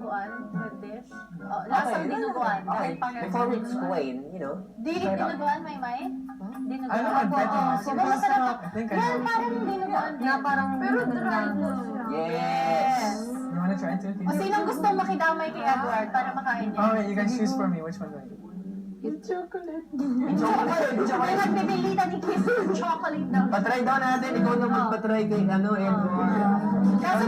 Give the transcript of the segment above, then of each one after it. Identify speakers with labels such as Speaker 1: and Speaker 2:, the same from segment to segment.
Speaker 1: dinuguan with dish. Oh, lasang dinuguan. Dahil parang...
Speaker 2: Before we explain, you know.
Speaker 1: Dinuguan, Maymay? Dinuguan.
Speaker 3: I don't know,
Speaker 1: Oo,
Speaker 3: super
Speaker 1: masarap.
Speaker 3: sarap. I think I
Speaker 1: Yan,
Speaker 3: know.
Speaker 1: parang dinuguan din.
Speaker 4: parang
Speaker 1: pero dry po siya.
Speaker 2: Yes.
Speaker 3: You wanna try too?
Speaker 1: O sinong gusto makidamay kay Edward para makain niya?
Speaker 3: Alright, you guys choose for me. Which one do I do?
Speaker 4: It's chocolate.
Speaker 1: May nagpipilita ni Kiss yung chocolate daw.
Speaker 2: Patry daw natin. Ikaw na magpatry kay ano, Edward.
Speaker 1: Kasi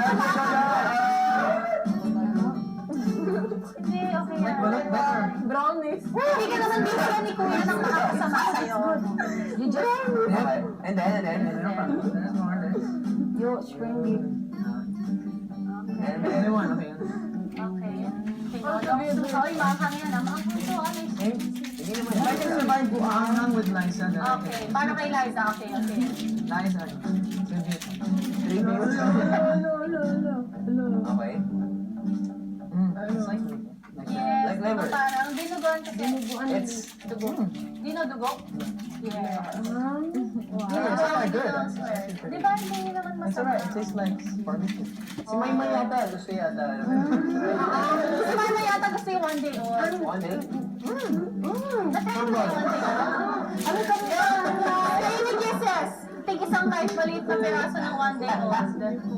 Speaker 1: hindi, okay yan.
Speaker 3: Look better.
Speaker 4: Brownies.
Speaker 1: Hindi ka naman bibigyan ni Kuya ng makakasama sa'yo.
Speaker 4: You just...
Speaker 2: Okay. And then.
Speaker 3: There's more.
Speaker 4: You spring beef.
Speaker 2: And
Speaker 3: Any
Speaker 2: then.
Speaker 3: one, okay.
Speaker 1: Okay. Tinodong suso. Uy, maanghang yan ah. Mga puso, ano yung
Speaker 2: Hindi naman.
Speaker 3: If I can survive buanghang with Liza, then I
Speaker 1: Okay.
Speaker 3: can.
Speaker 1: Paano kay Liza? Okay.
Speaker 3: Liza, tribute.
Speaker 2: Tribute.
Speaker 4: Hello.
Speaker 2: Okay.
Speaker 3: It's like
Speaker 1: Yes.
Speaker 2: Like liver.
Speaker 1: Parang dinuguan kasi.
Speaker 2: It's.
Speaker 1: Dugo. Dinudugo? Yes.
Speaker 3: It's quite good.
Speaker 1: Di ba hindi naman
Speaker 3: It's alright. It
Speaker 1: masarap?
Speaker 3: tastes like barbecue.
Speaker 2: Si Maymay yata. Gusto yata.
Speaker 1: Si Mama yata gusto yung one day old.
Speaker 2: One day.
Speaker 1: Natry mo yung one day old? Ano ka mo? Kayo ni Kisses. Tig isang kahit maliit na piraso ng one day old.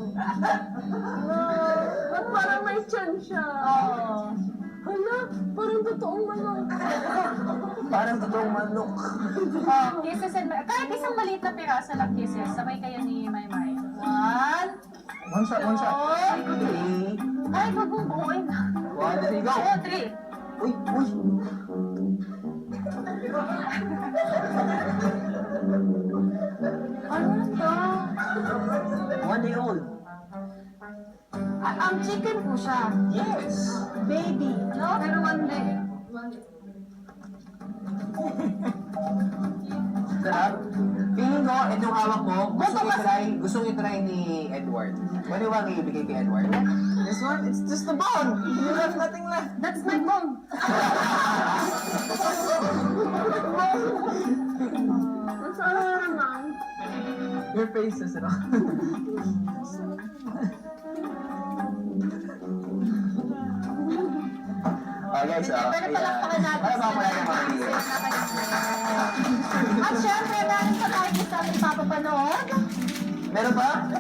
Speaker 4: Ba't parang may chan siya?
Speaker 1: Oo.
Speaker 4: Hala, parang totoong manok.
Speaker 2: Parang totoong manok.
Speaker 1: Oh, Kisses and kahit isang maliit na piraso lang Kisses. Sabay kayo ni Maymay. One.
Speaker 3: One shot.
Speaker 1: Two.
Speaker 2: Three.
Speaker 1: Ay, wag mong buuin.
Speaker 2: One. There you go.
Speaker 1: Oo, three.
Speaker 2: Uy.
Speaker 1: Ano to?
Speaker 2: One day old.
Speaker 1: Ang chicken po siya.
Speaker 2: Yes.
Speaker 1: Baby. No? Pero one day.
Speaker 2: Sarap. Feeling ko, itong hawak mo, gustong i-try ni Edward. Ano bang ibigay kay Edward?
Speaker 3: This one, it's just the bone. You have nothing left.
Speaker 1: That's my bone.
Speaker 4: Masarap naman.
Speaker 3: Your face says it all.
Speaker 2: Guys,
Speaker 1: Pero palakpakan natin
Speaker 2: Para
Speaker 1: sila.
Speaker 2: mamaya naman.
Speaker 1: At syempre, meron pa tayo sa ating papapanood.
Speaker 2: Meron pa?